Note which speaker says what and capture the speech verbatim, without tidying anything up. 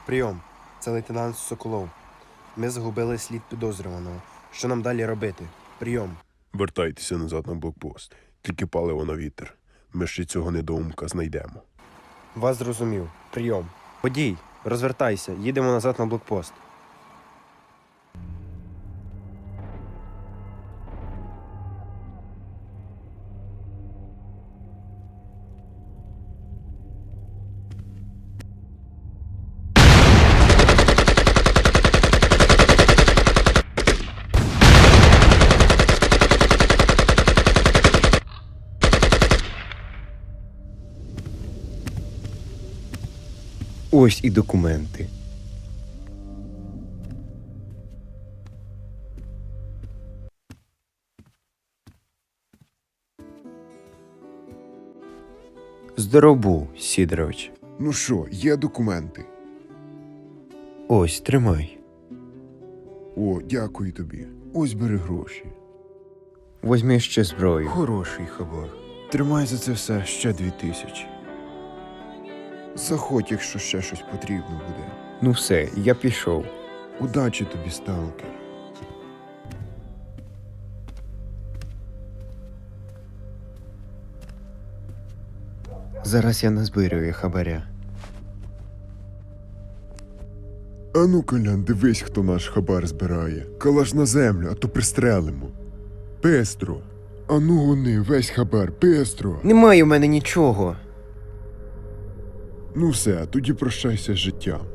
Speaker 1: Прийом. Це лейтенант Соколов. Ми загубили слід підозрюваного. Що нам далі робити? Прийом.
Speaker 2: Вертайтеся назад на блокпост. Тільки паливо на вітер. Ми ще цього недоумка знайдемо.
Speaker 1: Вас зрозумів. Прийом. Водій, розвертайся, їдемо назад на блокпост. Ось і документи. Здоров був, Сідорович.
Speaker 3: Ну що, є документи?
Speaker 1: Ось, тримай.
Speaker 3: О, дякую тобі. Ось бери гроші.
Speaker 1: Возьми ще зброю.
Speaker 3: Хороший хабар. Тримай за це все ще дві тисячі. Заходь, якщо ще щось потрібно буде.
Speaker 1: Ну все, я пішов.
Speaker 3: Удачі тобі, сталкер.
Speaker 1: Зараз я назбирюю хабаря.
Speaker 3: Ану, Колян, дивись, хто наш хабар збирає. Калаш на землю, а то пристрелимо. Пестро. Ану гони, весь хабар, пестро.
Speaker 1: Немає у мене нічого.
Speaker 3: Ну все, тоді прощайся з життям.